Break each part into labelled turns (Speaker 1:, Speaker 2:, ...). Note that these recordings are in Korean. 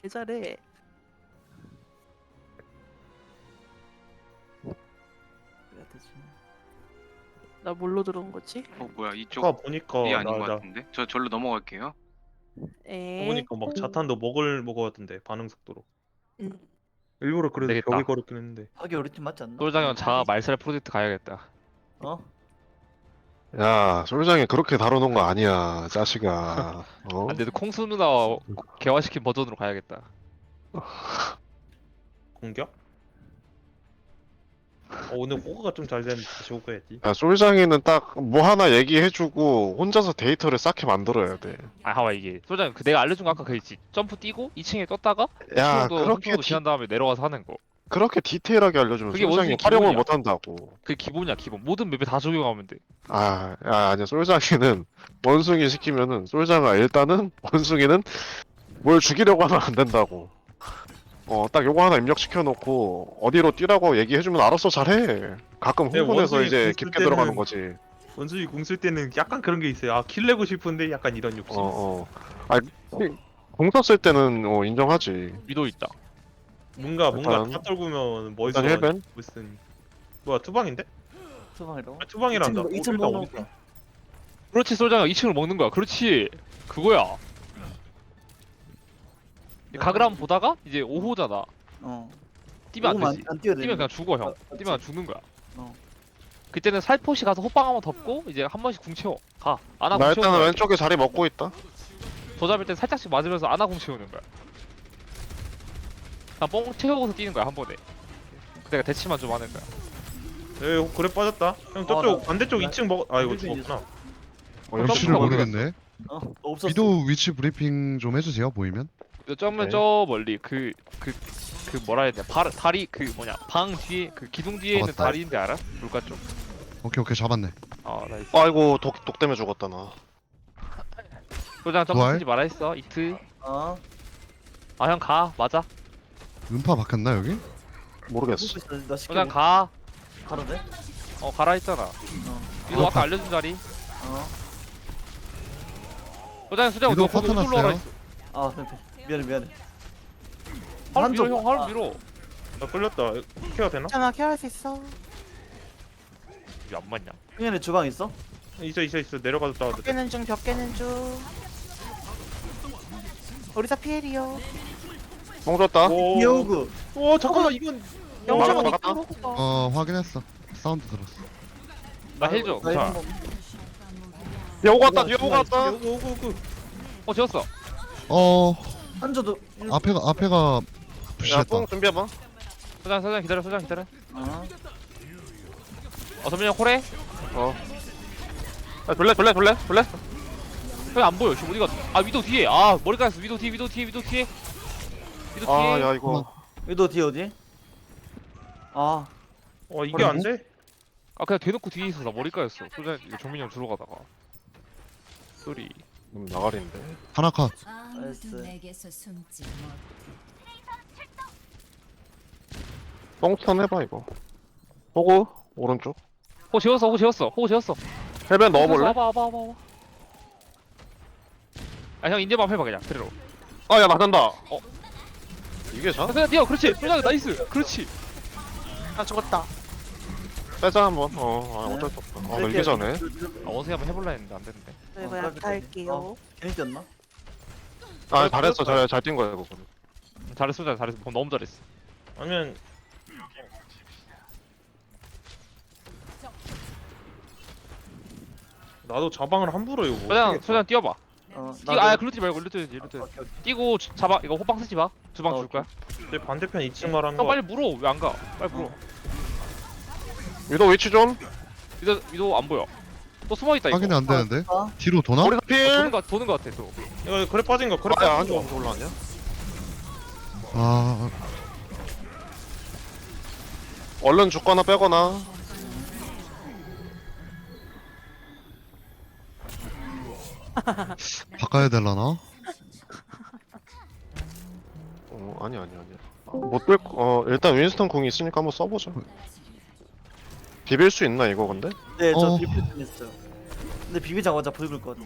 Speaker 1: 개 잘해.
Speaker 2: 그래야 되지.
Speaker 1: 나 뭘로 들어온 거지?
Speaker 3: 뭐야 이쪽
Speaker 4: 아까 보니까
Speaker 3: 이 아닌 것
Speaker 4: 나
Speaker 3: 같은데? 저 절로 넘어갈게요.
Speaker 1: 에.
Speaker 4: 보니까 막 자탄도 먹었던데 반응 속도로.
Speaker 1: 음.
Speaker 4: 일부러 그래도
Speaker 5: 되겠다.
Speaker 4: 벽에 걸었긴 했는데.
Speaker 2: 하기 우리 팀 맞지 않나?
Speaker 5: 솔장형 자아 말살 프로젝트 가야겠다.
Speaker 2: 어?
Speaker 6: 야, 솔장이 그렇게 다뤄놓은 거 아니야, 자식아. 어?
Speaker 5: 안 돼도 콩수 누나 개화시킨 버전으로 가야겠다.
Speaker 4: 공격? 오늘 호그가 좀 잘 됐는데 다시 호그 해야지.
Speaker 6: 야, 솔장이는 딱 뭐 하나 얘기해주고 혼자서 데이터를 쌓게 만들어야 돼.
Speaker 5: 아, 봐봐 이게 솔장 그 내가 알려준 거 아까 그 있지. 점프 뛰고 2층에 떴다가
Speaker 6: 야,
Speaker 5: 2층도
Speaker 6: 그렇게
Speaker 5: 한쪽으로 지난 다음에 내려가서 하는 거.
Speaker 6: 그렇게 디테일하게 알려주면
Speaker 5: 그게
Speaker 6: 솔장이
Speaker 5: 원숭이
Speaker 6: 활용을
Speaker 5: 기본이야.
Speaker 6: 못한다고.
Speaker 5: 그게 기본이야 기본. 모든 맵에 다 적용하면 돼.
Speaker 6: 아니야, 솔장이는 원숭이 시키면은 솔장아 일단은 원숭이는 뭘 죽이려고 하면 안 된다고. 딱 요거 하나 입력시켜놓고 어디로 뛰라고 얘기해주면 알아서 잘해. 가끔
Speaker 4: 네,
Speaker 6: 흥분해서
Speaker 4: 원숭이
Speaker 6: 이제
Speaker 4: 궁
Speaker 6: 깊게
Speaker 4: 쓸
Speaker 6: 들어가는
Speaker 4: 때는-
Speaker 6: 거지.
Speaker 4: 원숭이 궁 쓸 때는 약간 그런 게 있어요. 아, 킬 내고 싶은데 약간 이런 욕심.
Speaker 6: 공 썼을 때는 인정하지.
Speaker 5: 위도 있다.
Speaker 4: 뭔가
Speaker 6: 일단-
Speaker 4: 다 떨구면 멋있어.
Speaker 6: 일단 헬벤?
Speaker 4: 무슨 뭐야 투방인데?
Speaker 2: 투방이라고?
Speaker 4: 아, 투방이란다.
Speaker 2: 2층
Speaker 4: 일단
Speaker 2: 먹는
Speaker 4: 어디가?
Speaker 2: 거.
Speaker 5: 그렇지 솔장형 2층을 먹는 거야. 그렇지. 그거야. 가그람 보다가 이제 5호잖아.
Speaker 2: 어.
Speaker 5: 뛰면 안
Speaker 2: 오만
Speaker 5: 되지.
Speaker 2: 안 뛰어야 돼.
Speaker 5: 뛰면 그냥 죽어 형.
Speaker 2: 맞지.
Speaker 5: 뛰면 죽는 거야.
Speaker 2: 어.
Speaker 5: 그때는 살포시 가서 호빵 한번 덮고 이제 한 번씩 궁 채워. 가. 아나
Speaker 6: 나
Speaker 5: 궁
Speaker 6: 일단은
Speaker 5: 채우는 거야.
Speaker 6: 왼쪽에 자리 먹고 있다.
Speaker 5: 저 잡을 때 살짝씩 맞으면서 아나 궁 채우는 거야. 그냥 뽕 채우고서 뛰는 거야 한 번에. 내가 대치만 좀 하는 거야.
Speaker 4: 에 그래 빠졌다. 형 저쪽
Speaker 2: 나-
Speaker 4: 반대쪽
Speaker 2: 나-
Speaker 4: 2층 먹. 아 이거
Speaker 2: 힐벤
Speaker 4: 죽었구나.
Speaker 7: 위치를
Speaker 5: 점프가
Speaker 7: 모르겠네.
Speaker 2: 없었어.
Speaker 7: 위도 위치 브리핑 좀 해주세요. 보이면.
Speaker 5: 점은
Speaker 6: 네.
Speaker 5: 저 멀리 그 뭐라 해야 되냐 다리 그 뭐냐 방 뒤에 그 기둥 뒤에 있는
Speaker 7: 잡았다.
Speaker 5: 다리인데 알아? 물가 쪽.
Speaker 7: 오케이 잡았네.
Speaker 5: 아 나이스.
Speaker 6: 아이고 독 때문에 죽었다 나.
Speaker 5: 소장 점프
Speaker 7: 부활?
Speaker 5: 쓰지 말아 했어 이트.
Speaker 2: 어.
Speaker 5: 아 형 가 맞아.
Speaker 7: 음파 박혔나 여기?
Speaker 6: 모르겠어.
Speaker 2: 나 시켜.
Speaker 5: 소장 가.
Speaker 2: 가도 돼?
Speaker 5: 가라 했잖아.
Speaker 2: 어.
Speaker 5: 이거 아까 알려준 자리.
Speaker 2: 어.
Speaker 5: 소장
Speaker 7: 위도
Speaker 5: 너 거기
Speaker 7: 파트
Speaker 5: 어디로 올라가
Speaker 7: 났어요.
Speaker 5: 있어?
Speaker 2: 아, 미안해.
Speaker 5: 하루
Speaker 2: 한쪽.
Speaker 5: 밀어 형 하루 밀어.
Speaker 4: 나 끌렸다. 케어 되나?
Speaker 1: 괜찮아, 케어할 수 있어.
Speaker 5: 왜 안 맞냐?
Speaker 2: 형현이 주방 있어?
Speaker 4: 있어. 내려가서 싸워도
Speaker 1: 벽
Speaker 4: 돼.
Speaker 1: 깨는 중, 벽 깨는 중. 우리사 피해리요.
Speaker 6: 뽕 줬다.
Speaker 4: 오.
Speaker 2: 여우구.
Speaker 4: 오 잠깐만 이건.
Speaker 1: 영정은
Speaker 6: 막았다.
Speaker 1: 있고.
Speaker 7: 확인했어. 사운드 들었어.
Speaker 5: 나 헬줘.
Speaker 2: 나
Speaker 5: 자.
Speaker 2: 이거
Speaker 6: 뒤에 오고 왔다. 뒤에 오고 왔다.
Speaker 4: 오고.
Speaker 5: 지웠어.
Speaker 2: 한조도.
Speaker 7: 앞에가
Speaker 6: 야,
Speaker 7: 부시했다.
Speaker 6: 뽕 준비해봐.
Speaker 5: 소장 기다려.
Speaker 2: 어.
Speaker 5: 선민이 형 콜해.
Speaker 6: 돌래.
Speaker 5: 형이 안 보여. 지금 어디 갔어? 아 위도 뒤에. 아 머리 까였어. 위도 뒤에.
Speaker 6: 야 이거.
Speaker 2: 위도 뒤 어디? 아.
Speaker 4: 이게 안 돼?
Speaker 5: 아 그냥 대놓고 뒤에 있어. 나 머리 까였어. 소장 이거 정민이 형 주러 가다가. 쏘리.
Speaker 6: 나가리인데.
Speaker 7: 하나 컷.
Speaker 2: 나이스.
Speaker 8: 내게서 숨지 못.
Speaker 6: 뽕턴 해봐 이거. 호구 오른쪽.
Speaker 5: 호 지웠어.
Speaker 6: 헬벤 넣어볼래?
Speaker 5: 와봐. 아 형 인제만 해봐 그냥 그대로.
Speaker 6: 야 맞는다. 이게 자?
Speaker 5: 그냥 뛰어. 그렇지. 소장 나이스. 그렇지.
Speaker 1: 아, 죽었다.
Speaker 6: 빼자 한번. 어쩔 수 없다. 늘기 전에.
Speaker 5: 아 원숭이 한번 해볼라 했는데 안 됐는데.
Speaker 1: 저 이거
Speaker 2: 어,
Speaker 1: 약탈게요.
Speaker 2: 어. 괜히 뛰었나?
Speaker 6: 잘했어. 잘 뛴 거야 이거.
Speaker 5: 잘했어. 너무 잘했어.
Speaker 4: 아니면 나도 자방을 함부로 이거 못
Speaker 5: 소장 뛰어봐.
Speaker 2: 어.
Speaker 5: 글루티 말고 글루티. 뛰고 잡아. 이거 호빵 쓰지 마. 두 방 줄 거야.
Speaker 4: 내 반대편 2층 말하는
Speaker 5: 형
Speaker 4: 거
Speaker 5: 빨리 물어. 왜 안 가? 빨리 물어.
Speaker 6: 위도 위치 좀.
Speaker 5: 위도 안 보여. 또 숨어 있다 이거.
Speaker 7: 확인이 안 되는데.
Speaker 2: 어.
Speaker 7: 뒤로 도나?
Speaker 6: 우리도 필.
Speaker 5: 도는 거 같아 또.
Speaker 4: 이거 그래 빠진 거 그래
Speaker 6: 야,
Speaker 4: 빠진
Speaker 6: 한쪽
Speaker 4: 거
Speaker 6: 올라왔냐? 얼른 죽거나 빼거나.
Speaker 7: 바꿔야 되려나?
Speaker 6: 아니야. 일단 윈스턴 궁이 있으니까 한번 써보자. 비빌 수 있나 이거 근데?
Speaker 2: 네, 저
Speaker 7: 어.
Speaker 2: 비필 좀 했어요. 근데 비비자마자 붉을 것 같아.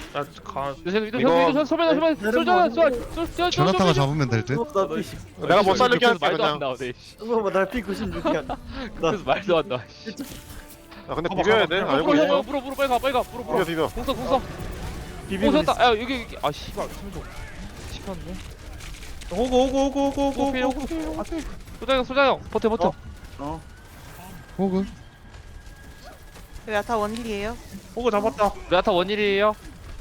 Speaker 5: 이거 소변
Speaker 7: 제나타가 잡으면 될 듯?
Speaker 2: 나 피시.
Speaker 6: 내가 못 살리게 할게
Speaker 5: 말도
Speaker 6: 그냥.
Speaker 5: 안 나오네.
Speaker 2: 봐봐 날 P96이야. 나
Speaker 5: 그래서 말도 안 나와.
Speaker 6: 야 근데 비벼야 돼. 알고
Speaker 5: 물어
Speaker 6: 있어.
Speaker 5: 물어 빨리 가
Speaker 6: 비벼 비벼.
Speaker 5: 공서
Speaker 2: 비비고
Speaker 5: 공서다. 야 여기 아 씨발 숨좀 씹혔네.
Speaker 4: 오고.
Speaker 5: 소장형 버텨.
Speaker 2: 어.
Speaker 7: 호그?
Speaker 1: 야타 원힐이에요.
Speaker 4: 오고 잡았다.
Speaker 5: 레아타 원일이에요.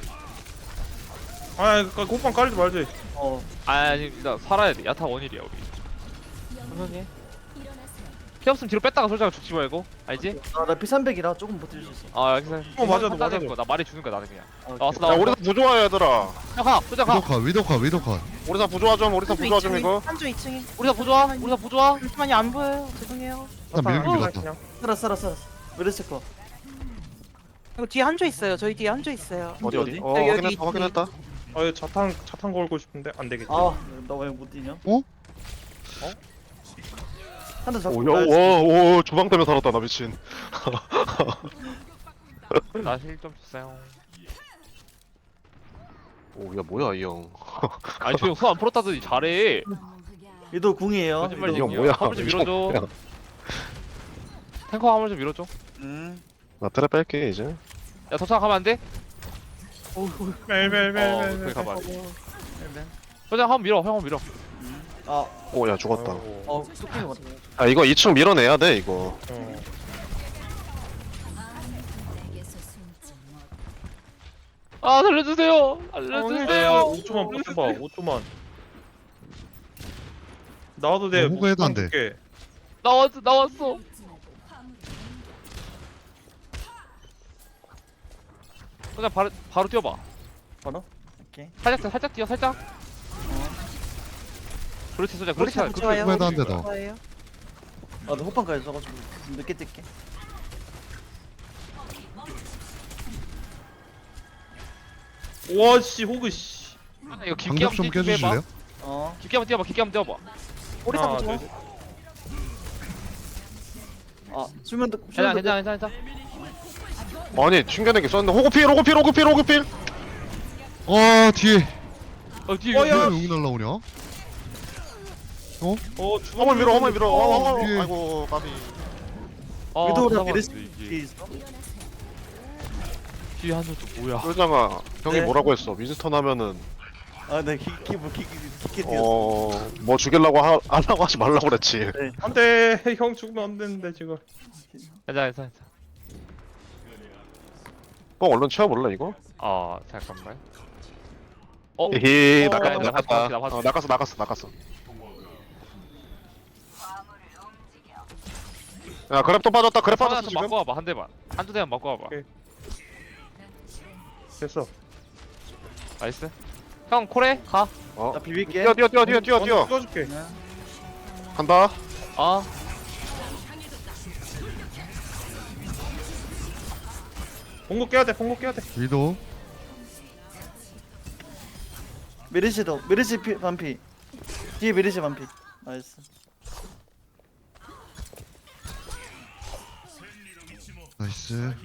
Speaker 4: 아, 호빵 깔지 말지.
Speaker 2: 어.
Speaker 5: 아닙니다. 살아야 돼. 야타 원일이야 우리. 천천히. 피 없으면 뒤로 뺐다가 소장형 죽지 말고. 알지?
Speaker 2: 나 P300이라 조금 버틸 수 있어.
Speaker 5: 아 여기서.
Speaker 4: 맞아도.
Speaker 5: 나 말이 주는 거야 나는 그냥.
Speaker 2: 아,
Speaker 5: 나왔어
Speaker 6: 야 우리사 부조화 얘들아.
Speaker 5: 가 소장 가.
Speaker 7: 위도컷.
Speaker 6: 우리사 부조화 좀. 우리사 부조화 좀 이거.
Speaker 1: 한조 2층에.
Speaker 5: 우리사 보조아.
Speaker 1: 잠시만요 안 보여요. 죄송해요.
Speaker 7: 일단 밀긴 밀었다.
Speaker 4: 그냥.
Speaker 2: 살았어. 메르시 거.
Speaker 1: 이거 뒤에 한조 있어요. 저희 뒤에 한조 있어요.
Speaker 6: 어디?
Speaker 2: 어디?
Speaker 6: 어
Speaker 1: 여기
Speaker 6: 확인했다 확인했다.
Speaker 4: 아, 이거 자탄 걸고 싶은데 안 되겠지.
Speaker 2: 아, 나 왜 못 뛰냐?
Speaker 7: 어?
Speaker 2: 한대 잡고.
Speaker 6: 오오 주방 때문에 살았다 나 미친.
Speaker 5: 나힐좀 주세요.
Speaker 6: 오야 뭐야 이 형.
Speaker 5: 아니 저형 손안 풀었다더니 잘해.
Speaker 2: 위도 궁이에요.
Speaker 5: 거짓말
Speaker 6: 이거
Speaker 5: 얘기야.
Speaker 6: 뭐야,
Speaker 5: 화물 좀
Speaker 6: 이거
Speaker 5: 밀어줘.
Speaker 6: 뭐야.
Speaker 5: 탱커 화물 좀 밀어줘.
Speaker 6: 나 트랩 뺄게 이제.
Speaker 5: 야 도착 가면 안 돼?
Speaker 4: 멜멜멜멜.
Speaker 5: 거기 가봐. 소장 한번 밀어. 형 한번 밀어.
Speaker 2: 아,
Speaker 6: 오야 죽었다.
Speaker 2: 쫓긴 것 같아.
Speaker 6: 아 이거 2층 밀어내야 돼 이거.
Speaker 8: 내게서 숨지 못.
Speaker 5: 아 살려주세요.
Speaker 4: 네,
Speaker 5: 살려주세요.
Speaker 4: 5초만 버텨봐. 5초만. 나와도 돼.
Speaker 7: 호구해도 안 돼.
Speaker 4: 줄게.
Speaker 5: 나왔어. 소장 바로 뛰어봐.
Speaker 2: 바로? 오케이.
Speaker 5: 살짝 뛰어 살짝. 그렇지 소장 그렇지.
Speaker 1: 우리 다 좋아요.
Speaker 7: 호구해도 안 돼, 너.
Speaker 1: 좋아요.
Speaker 2: 아, 나 호빵까지 써가지고 늦게 뛸게.
Speaker 4: 와, 씨, 호그, 씨.
Speaker 5: 이거 깊게
Speaker 7: 방벽 좀
Speaker 5: 한번
Speaker 7: 껴주실래요?
Speaker 2: 어.
Speaker 5: 깊게 한번 뛰어봐.
Speaker 1: 오리사
Speaker 4: 하나,
Speaker 1: 보죠.
Speaker 4: 둘, 셋.
Speaker 2: 아, 수면도
Speaker 5: 괜찮아.
Speaker 6: 아니 튕겨내기 썼는데 호구필.
Speaker 7: 뒤에.
Speaker 5: 뒤에
Speaker 7: 왜 여기 날라오냐?
Speaker 6: 어머 밀어.
Speaker 7: 위에.
Speaker 6: 아이고 까비.
Speaker 2: 위도우랑
Speaker 5: 이게
Speaker 2: 메르시 뒤에 있어.
Speaker 5: 뒤에 한줄 또 뭐야?
Speaker 6: 솔장아 형이
Speaker 2: 네.
Speaker 6: 뭐라고 했어? 윈스턴 하면은
Speaker 2: 아, 네, 깊게 뛰었어.
Speaker 6: 뭐 죽이려고 하려고 하지 말라고 그랬지.
Speaker 4: 안 돼. 형 죽으면 안 되는데, 지금.
Speaker 5: 괜찮아.
Speaker 6: 뻥 얼른 채워볼래 이거?
Speaker 5: 잠깐만.
Speaker 6: 히히
Speaker 5: 나
Speaker 6: 나갔다.
Speaker 5: 봐줄게.
Speaker 6: 나갔어. 야 그랩 또 빠졌다. 그랩 빠졌어
Speaker 5: 좀
Speaker 6: 지금.
Speaker 5: 맞고 와봐 한 대만. 한두 대만 맞고 와봐.
Speaker 4: 오케이. 됐어.
Speaker 5: 나이스. 형 콜해 가.
Speaker 2: 나 비빌게.
Speaker 6: 뛰어.
Speaker 4: 찍어줄게.
Speaker 6: 간다.
Speaker 4: 봉고 깨야 돼.
Speaker 7: 위도.
Speaker 2: 메르시 반피. 뒤에 메르시 반피. 나이스.
Speaker 7: 나이스.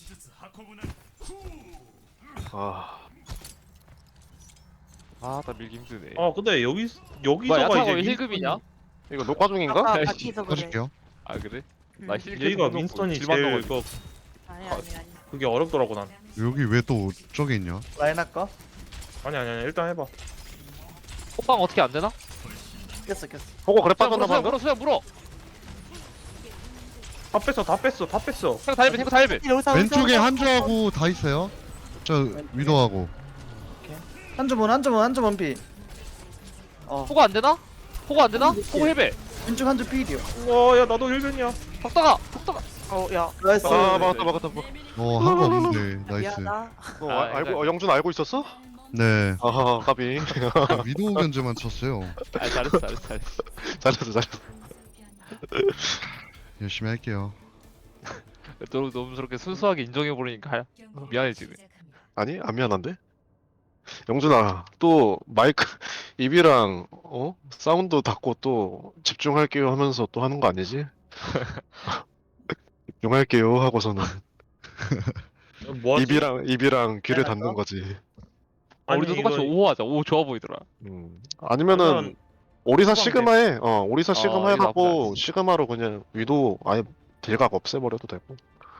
Speaker 6: 아
Speaker 5: 나 밀기 힘드네.
Speaker 4: 근데 여기서가
Speaker 5: 뭐야 야타가 왜
Speaker 4: 이제
Speaker 5: 힐급이냐?
Speaker 6: 이거 녹화 중인가?
Speaker 1: 아까
Speaker 5: 야,
Speaker 1: 바퀴에서 그래.
Speaker 7: 해줄게요.
Speaker 5: 아 그래? 나 힐급
Speaker 4: 여기가 윈스턴이 제일
Speaker 1: 아니.
Speaker 4: 그게 어렵더라고 난.
Speaker 7: 여기 왜 또 저기 있냐?
Speaker 2: 라인 할까?
Speaker 4: 아니 일단 해봐.
Speaker 5: 호빵 어떻게 안 되나?
Speaker 2: 깼어.
Speaker 6: 보고 그랩 빠졌나 봐.
Speaker 5: 수영 물어.
Speaker 4: 다 뺐어.
Speaker 5: 탱크 다 힐배.
Speaker 7: 왼쪽에 한주하고 다 있어요. 저 위도하고.
Speaker 2: 한주문 반피.
Speaker 5: 호구 안 되나? 호구 힐배.
Speaker 2: 왼쪽 한주 필이요.
Speaker 4: 와, 야 나도 힐변이야.
Speaker 5: 덕다가.
Speaker 1: 야.
Speaker 2: 나이스.
Speaker 6: 막았다.
Speaker 7: 한 거 없는데. 나이스.
Speaker 1: 미안하다.
Speaker 6: 알고 영준 알고 있었어?
Speaker 7: 네.
Speaker 6: 아하 까비.
Speaker 7: 위도우 견제만 쳤어요.
Speaker 5: 잘했어.
Speaker 6: 잘했어.
Speaker 7: 열심히 할게요.
Speaker 5: 너무 저렇게 순수하게 인정해버리니까 미안해지네.
Speaker 6: 아니 안 미안한데? 영준아 또 마이크 입이랑 사운드 닫고 또 집중할게요 하면서 또 하는 거 아니지? 집중할게요 하고서는
Speaker 4: 뭐하지?
Speaker 6: 입이랑 귀를
Speaker 2: 내가
Speaker 6: 닫는 거지.
Speaker 5: 우리도 똑같이
Speaker 4: 이거
Speaker 5: 5 하자. 5 좋아 보이더라.
Speaker 6: 아니면은
Speaker 4: 그러면
Speaker 6: 오리사
Speaker 4: 후방대.
Speaker 6: 시그마에 오리사 시그마
Speaker 5: 이거
Speaker 6: 해갖고
Speaker 5: 나쁘지
Speaker 6: 시그마로 그냥 위도 아예 딜각 없애버려도 되고.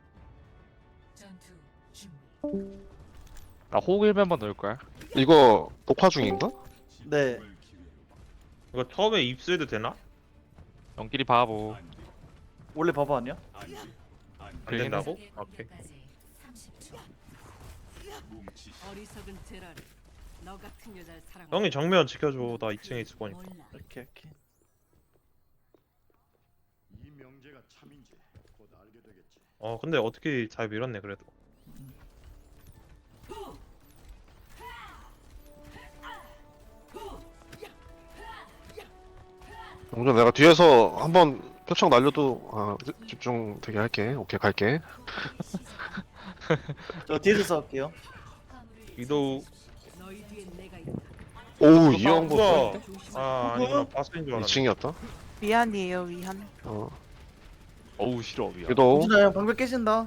Speaker 5: 나 호구 1면만 넣을 거야.
Speaker 6: 이거 녹화 중인가?
Speaker 2: 네.
Speaker 4: 이거 처음에 입수해도 되나?
Speaker 5: 연길이 바보.
Speaker 2: 원래 바보 아니야?
Speaker 4: 안
Speaker 5: 그러긴
Speaker 4: 된다고? 오케이.
Speaker 9: 어리석은 제라를 너 같은 여자를 사랑.
Speaker 4: 형이 정면 지켜줘. 나 2층에 있을 거니까.
Speaker 2: 오케이 오케이.
Speaker 4: 근데 어떻게 잘 밀었네 그래도.
Speaker 6: 용준 내가 뒤에서 한번 표창 날려도 집중 되게 할게. 오케이 갈게.
Speaker 2: 저 뒤에서 싸울게요.
Speaker 4: 위도우.
Speaker 9: 너희 뒤엔 내가 있다.
Speaker 6: 오우 이 형부
Speaker 4: 우와. 아니구나. 바스인 줄 알았네.
Speaker 6: 2층이었다.
Speaker 1: 위안이에요 위안.
Speaker 5: 어우 싫어 미야.
Speaker 6: 위도
Speaker 2: 용준아 형 방벽 깨진다.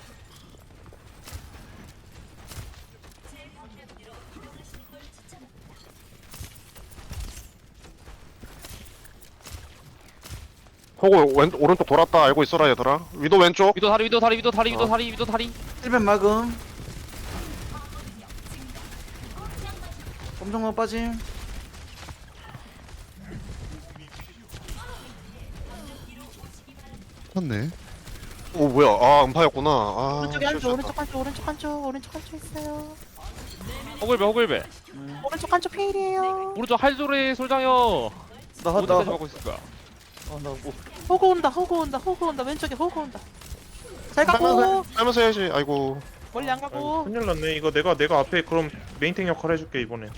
Speaker 6: 호구 오른쪽 돌았다 알고 있어라 얘들아. 위도 왼쪽.
Speaker 5: 위도 다리 위도 다리 위도 다리 위도 다리 위도 다리.
Speaker 2: 1벤 막음. 검정만 빠짐.
Speaker 7: 쳤네.
Speaker 6: 오 뭐야 음파였구나.
Speaker 1: 오른쪽에 한쪽
Speaker 6: 실수했다.
Speaker 1: 오른쪽 한쪽 오른쪽 한쪽 오른쪽 한쪽 있어요.
Speaker 5: 호글배 호글배.
Speaker 1: 오른쪽 한쪽 페일이에요.
Speaker 5: 오른쪽 할조리 솔장형. 어디까지
Speaker 2: 나나
Speaker 5: 막고 있을 거야?
Speaker 2: 뭐.
Speaker 1: 호구 온다 호구 온다 호구 온다 왼쪽에 호구 온다. 잘 가고
Speaker 6: 하면서 해야지. 아이고.
Speaker 1: 멀리 안
Speaker 4: 아이고,
Speaker 1: 가고.
Speaker 4: 큰일 났네. 이거 내가 앞에 그럼 메인탱 역할 해줄게 이번에.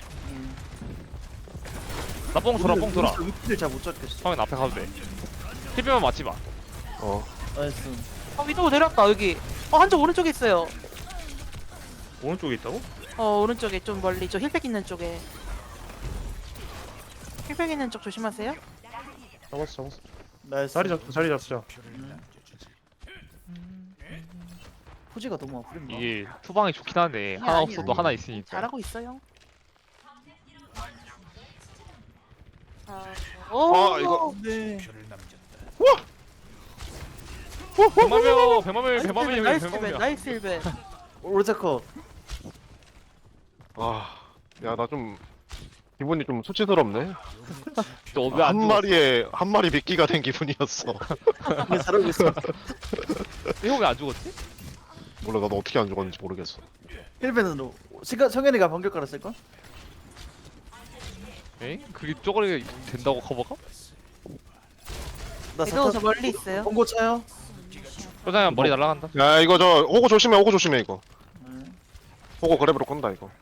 Speaker 5: 나뽕 돌아 뽕 돌아.
Speaker 2: 위키를 잘못 잡겠어.
Speaker 5: 형은 앞에 가도 돼. 힐배만 맞지 마.
Speaker 2: 나이스.
Speaker 1: 위도우 내렸다 여기. 한쪽 오른쪽에 있어요.
Speaker 4: 오른쪽에 있다고?
Speaker 1: 오른쪽에 좀 멀리 저 힐백 있는 쪽에. 힐백 있는 쪽 조심하세요.
Speaker 4: 잡았어.
Speaker 2: 나이스.
Speaker 4: 자리 잡자.
Speaker 2: 포지가 너무 아프린다.
Speaker 5: 이게 투방이 좋긴 한데
Speaker 1: 아니야,
Speaker 5: 하나
Speaker 1: 아니야.
Speaker 5: 없어도 하나 있으니까.
Speaker 1: 잘하고 있어요.
Speaker 6: 이거.
Speaker 2: 네.
Speaker 5: 백만명 백만명 백만명
Speaker 1: 나이스 힐백
Speaker 5: 백만명.
Speaker 1: 나이스 힐백.
Speaker 2: 오르자커.
Speaker 6: 야 나 좀 기분이 좀 수치스럽네.
Speaker 5: 너왜안
Speaker 6: 한 마리 미끼가 된 기분이었어.
Speaker 2: 근데 잘하고 있어.
Speaker 5: 이거 왜안 죽었지?
Speaker 6: 몰라 나도 어떻게 안 죽었는지 모르겠어.
Speaker 2: 1벤으로. 성현이가 방벽 깔았을걸?
Speaker 5: 에? 그게 쪼그리게 된다고 커버가?
Speaker 2: 나
Speaker 1: 위도우 저
Speaker 2: 사타
Speaker 1: 멀리 있어요.
Speaker 2: 본고 차요?
Speaker 5: 솔장형 머리 날라간다.
Speaker 6: 야 이거 저 호구 조심해 이거. 호구 그랩으로 끈다 이거.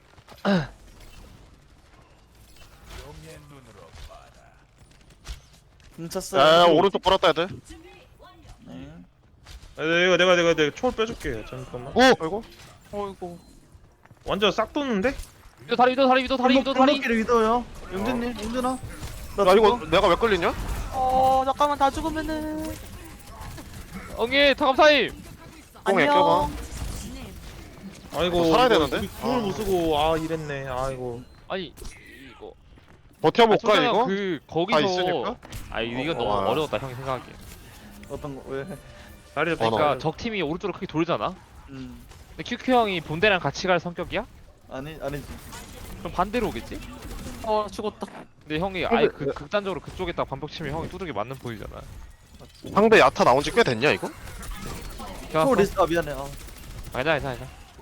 Speaker 2: 훔쳤어요.
Speaker 6: 야 오른쪽 돌았다 애들.
Speaker 2: 네.
Speaker 4: 이거 내가 초월 빼줄게. 잠깐만.
Speaker 6: 아이고.
Speaker 1: 어이구.
Speaker 4: 완전 싹 돋는데?
Speaker 5: 위도 다리 위도 다리 위도 다리 위도 다리.
Speaker 2: 골목길을 위도요. 용준님, 용준아. 나
Speaker 6: 야 이거
Speaker 2: 죽어?
Speaker 6: 내가 왜 끌리냐?
Speaker 1: 잠깐만 다 죽으면은.
Speaker 5: 엉예 타감타임.
Speaker 6: 뽕에 껴봐.
Speaker 1: 안녕.
Speaker 4: 아이고.
Speaker 6: 살아야
Speaker 4: 이거
Speaker 6: 되는데?
Speaker 4: 궁을 못 쓰고 이랬네. 아이고.
Speaker 5: 아니 이거.
Speaker 6: 버텨볼까
Speaker 5: 솔장형
Speaker 6: 이거?
Speaker 5: 그
Speaker 6: 다
Speaker 5: 거기서.
Speaker 6: 있으니까?
Speaker 5: 이건 너무
Speaker 6: 와.
Speaker 5: 어려웠다 형이 생각하기에.
Speaker 2: 어떤 거? 왜?
Speaker 4: 자리 잡자.
Speaker 5: 그러니까 적 팀이 오른쪽으로 크게 돌잖아.
Speaker 2: 음.
Speaker 5: 근데 QQ 형이 본대랑 같이 갈 성격이야?
Speaker 2: 아니지.
Speaker 5: 그럼 반대로 오겠지?
Speaker 1: 죽었다.
Speaker 5: 근데 형이 아예 극단적으로 그쪽에다 반복 치면 형이 두들겨 맞는 보이잖아.
Speaker 6: 상대 야타 나온 지 꽤 됐냐 이거?
Speaker 2: 초 리스 미안해.
Speaker 5: 아니다.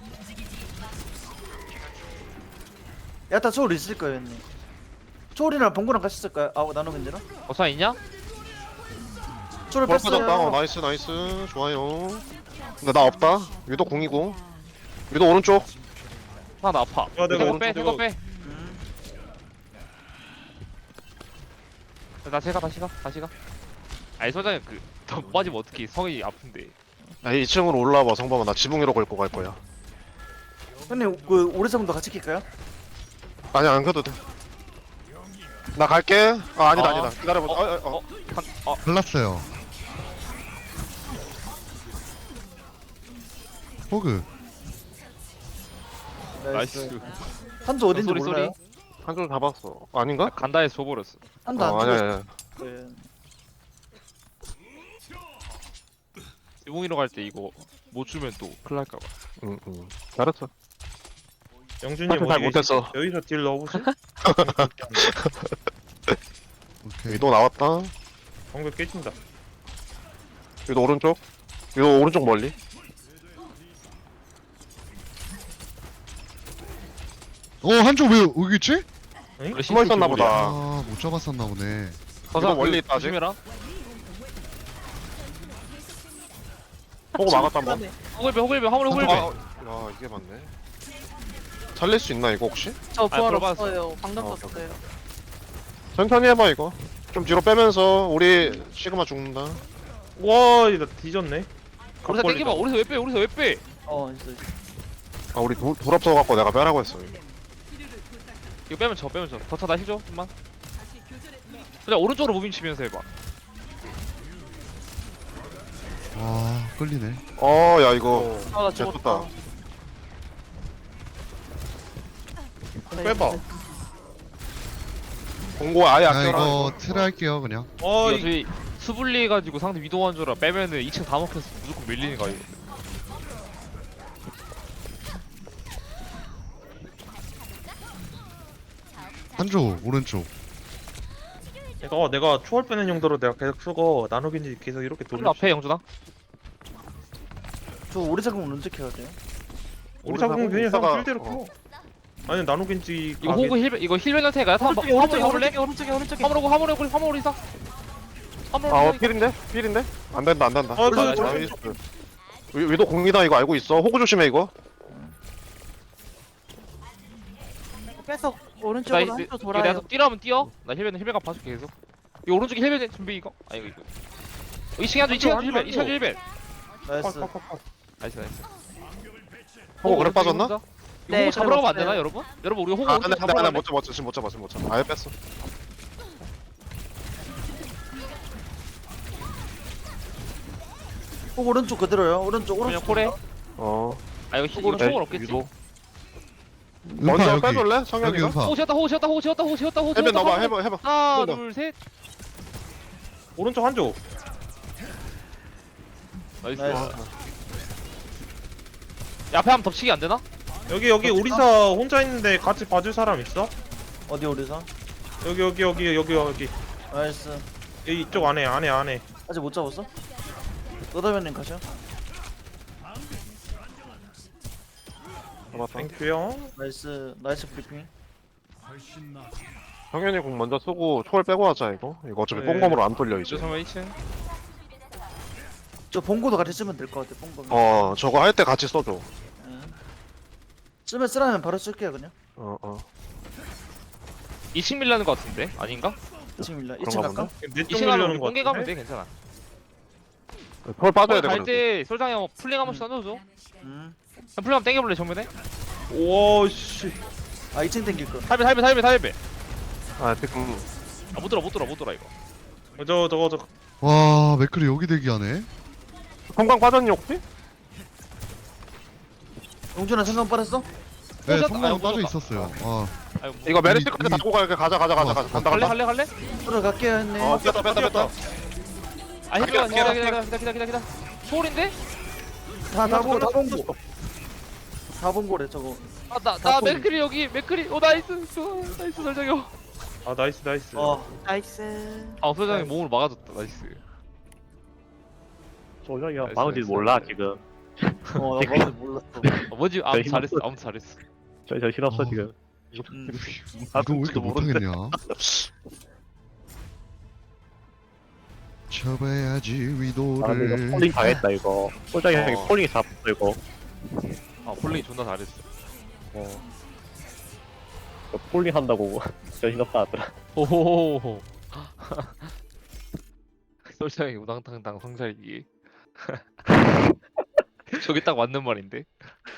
Speaker 2: 야타 초 리스일 거예요, 형님. 초월이랑 봉구랑 같이 쓸까요? 나노 견제랑?
Speaker 5: 어사 있냐?
Speaker 2: 초를
Speaker 6: 벌 빠졌다.
Speaker 2: 뺐어요.
Speaker 6: 나이스 좋아요. 근데 나 없다. 위도 공이고. 위도 오른쪽.
Speaker 5: 하나 아파.
Speaker 4: 내가
Speaker 5: 이거 빼,
Speaker 4: 오른쪽
Speaker 5: 이거 빼.
Speaker 2: 음.
Speaker 5: 다시 가. 아니 소장님 더 빠지면 어떻게 성이 아픈데.
Speaker 6: 야 2층으로 올라와봐 성범아. 나 지붕 위로 걸고 갈 거야.
Speaker 2: 형님 오리사분도 같이 킬까요?
Speaker 6: 아니 안 가도 돼. 나 갈게. 아니다. 기다려봐.
Speaker 7: 갈랐어요. 호그.
Speaker 5: 나이스.
Speaker 2: 한조 어딘지
Speaker 5: 쏘리,
Speaker 2: 몰라요?
Speaker 6: 한줄 잡았어. 아닌가?
Speaker 5: 간다에 줘버렸어.
Speaker 2: 한조 안
Speaker 6: 아니야,
Speaker 2: 죽었어.
Speaker 6: 아니야.
Speaker 2: 네.
Speaker 5: 지붕이로 갈 때 이거 못 주면 또 큰일 날까봐.
Speaker 6: 응. 잘했어.
Speaker 4: 영준님
Speaker 6: 사실 잘
Speaker 4: 어디
Speaker 6: 못했어.
Speaker 4: 계시- 여기서 딜 넣어보세요.
Speaker 7: 오케이.
Speaker 6: 위도 나왔다.
Speaker 4: 방금 깨진다.
Speaker 6: 위도 오른쪽. 위도 오른쪽 멀리.
Speaker 7: 한쪽 왜 여기 있지?
Speaker 6: 숨어 있었나 보다.
Speaker 7: 못 잡았었나 보네.
Speaker 5: 서사
Speaker 6: 멀리 있다, 아직.
Speaker 5: 조심해라.
Speaker 6: 보고 막았다 한 번.
Speaker 5: 호글배 화물에 호글배.
Speaker 6: 야 이게 맞네. 살릴 수 있나 이거 혹시?
Speaker 1: 저 부활
Speaker 5: 들어갔어.
Speaker 1: 없어요. 방금
Speaker 6: 어,
Speaker 1: 떴어요.
Speaker 6: 천천히 해봐 이거. 좀 뒤로 빼면서 우리 시그마 죽는다.
Speaker 4: 와, 나 뒤졌네.
Speaker 5: 우리사 땡겨봐. 우리사 왜 빼? 우리사 왜 빼?
Speaker 2: 있어.
Speaker 6: 아 우리 돌 없어갖고 내가 빼라고 했어.
Speaker 5: 이거 빼면 져. 더차 나 힐줘 좀만. 그냥 오른쪽으로 무빙 치면서 해봐.
Speaker 7: 와 끌리네.
Speaker 6: 야 이거
Speaker 1: 나
Speaker 6: 잘
Speaker 1: 죽었다.
Speaker 6: 떴다.
Speaker 4: 빼봐.
Speaker 6: 공고 아예
Speaker 7: 야
Speaker 6: 아껴라.
Speaker 7: 이거 트레 할게요 그냥.
Speaker 4: 어,
Speaker 5: 이거 저희 수분리 해가지고 상대 위도한 줄라 빼면은 2층 다 먹혀서 무조건 밀리는 거 이거.
Speaker 7: 한쪽 오른쪽.
Speaker 4: 내가 초월 빼는 용도로 내가 계속 쓰고 나누긴지 계속 이렇게
Speaker 5: 좀
Speaker 4: 돌려.
Speaker 5: 앞에 영준아.
Speaker 2: 저 오리 작품 언제 켜야 돼요?
Speaker 4: 우리 작품 그냥
Speaker 6: 이따가-
Speaker 4: 필대로 켜. 아니 나누긴지.
Speaker 5: 이거 호그 힐 힐벤 테가 야타 한번 화물에 가볼래?
Speaker 1: 오른쪽에.
Speaker 5: 화물에 이상.
Speaker 6: 필인데? 안 된다.
Speaker 4: 아,
Speaker 6: 나이스. 위도 공이다 이거 알고 있어. 호구 조심해 이거.
Speaker 1: 계속 오른쪽으로
Speaker 5: 나이스.
Speaker 1: 한쪽
Speaker 5: 이거 내가
Speaker 1: 돌아요.
Speaker 5: 또 뛰라면 뛰어. 나 힐벤 봐줄게 계속. 이 오른쪽에 힐벤 준비 이거. 아 이거. 2층에 한쪽 2층에 힐벤. 2층에 힐벤.
Speaker 2: 나이스.
Speaker 5: 나이스.
Speaker 6: 호구 그래 빠졌나?
Speaker 5: 이거
Speaker 1: 네,
Speaker 5: 호그 잡으러 가면 안
Speaker 1: 그래
Speaker 5: 되나 여러분? 여러분 우리 호그
Speaker 6: 아,
Speaker 5: 오른쪽
Speaker 6: 나
Speaker 5: 잡으러 가면
Speaker 6: 지금 못 잡아. 아예 뺐어.
Speaker 2: 오른쪽 그대로요. 오른쪽.
Speaker 5: 그냥 콜해. 아 이거
Speaker 6: 호구를
Speaker 5: 총은 없겠지?
Speaker 6: 유도.
Speaker 7: 음파
Speaker 6: 먼저
Speaker 7: 여기.
Speaker 6: 빼줄래?
Speaker 7: 여기
Speaker 6: 성현이가?
Speaker 7: 음파.
Speaker 5: 호구 채웠다.
Speaker 6: 해변 넣어봐. 해봐.
Speaker 5: 하나
Speaker 6: 해봐.
Speaker 5: 둘셋
Speaker 4: 오른쪽 한쪽.
Speaker 5: 나이스.
Speaker 2: 나이스.
Speaker 5: 야, 앞에 한번 덮치기 안 되나?
Speaker 4: 여기 오리사 혼자 있는데 같이 봐줄 사람 있어?
Speaker 2: 어디 오리사?
Speaker 4: 여기.
Speaker 2: 나이스.
Speaker 4: 여기 이쪽 안에.
Speaker 2: 아직 못 잡았어? 너다면님 가셔.
Speaker 6: 잡았다.
Speaker 4: 땡큐요.
Speaker 2: 나이스 브리핑.
Speaker 6: 성현이 공 먼저 쓰고 초월 빼고 하자 이거. 이거 어차피
Speaker 4: 네.
Speaker 6: 뽕검으로 안 돌려 이제.
Speaker 5: 죄송해요 2층.
Speaker 2: 저 봉고도 같이 쓰면 될 것 같아. 봉고.
Speaker 6: 저거 할 때 같이 써줘.
Speaker 2: 쓰라면 바로 쓸게요 그냥.
Speaker 5: 2층 밀라는 거 같은데? 아닌가?
Speaker 2: 2층 밀라.
Speaker 6: 그런가
Speaker 2: 2층 갈까?
Speaker 4: 내쪽
Speaker 5: 2층 가면 우리
Speaker 4: 밀려는 거
Speaker 5: 공개 가면
Speaker 4: 같은데?
Speaker 5: 돼 괜찮아.
Speaker 6: 초월 빠져야 돼. 그래도.
Speaker 5: 갈때 솔장이 형 플링 한 번씩 던져줘.
Speaker 2: 음.
Speaker 5: 그냥 플링 한번 땡겨볼래 정면에?
Speaker 4: 오 씨.
Speaker 2: 2층 땡길 거.
Speaker 5: 탈배.
Speaker 6: 아 지금
Speaker 5: 아 못 돌아 이거.
Speaker 4: 저거.
Speaker 7: 와 맥클이 여기 대기하네.
Speaker 6: 성광 빠졌니 혹시?
Speaker 2: 용준아 생각 빠졌어?
Speaker 7: 네
Speaker 5: 꽂았다.
Speaker 7: 성광
Speaker 5: 아이고,
Speaker 7: 빠져
Speaker 5: 꽂았다.
Speaker 7: 있었어요.
Speaker 5: 아이고 뭐.
Speaker 6: 이거 메르시까지 달고 갈게. 가자. 간다.
Speaker 5: 갈래?
Speaker 2: 들어갈게요 했네.
Speaker 6: 뺐다.
Speaker 5: 아 기다려. 소울인데?
Speaker 2: 다 봉고. 다 봉고래 저거.
Speaker 5: 나 맥크리 여기 맥크리. 오 나이스 솔장이 형.
Speaker 4: 아 나이스.
Speaker 1: 나이스.
Speaker 5: 아 솔장이 몸으로 막아줬다 나이스.
Speaker 10: 소정이가
Speaker 5: 나이스,
Speaker 10: 막은지
Speaker 5: 나이스.
Speaker 10: 몰라 지금.
Speaker 2: 나 뭔지 몰랐어.
Speaker 5: 뭐지? 아무튼 잘했어.
Speaker 10: 저 정신없어 지금.
Speaker 7: 이거 왜 이렇게 못하겠냐? 쳐봐야지
Speaker 10: 아 근데
Speaker 7: 위도를.
Speaker 10: 이거 폴링 당했다 이거. 소정이 형이 폴링이 잡았어 이거.
Speaker 5: 아 폴링이 존나 잘했어.
Speaker 10: 이거 폴링 한다고 정신없다 하더라.
Speaker 5: 오호호호. 솔장이 우당탕당 성살기. 저게 딱 맞는 말인데.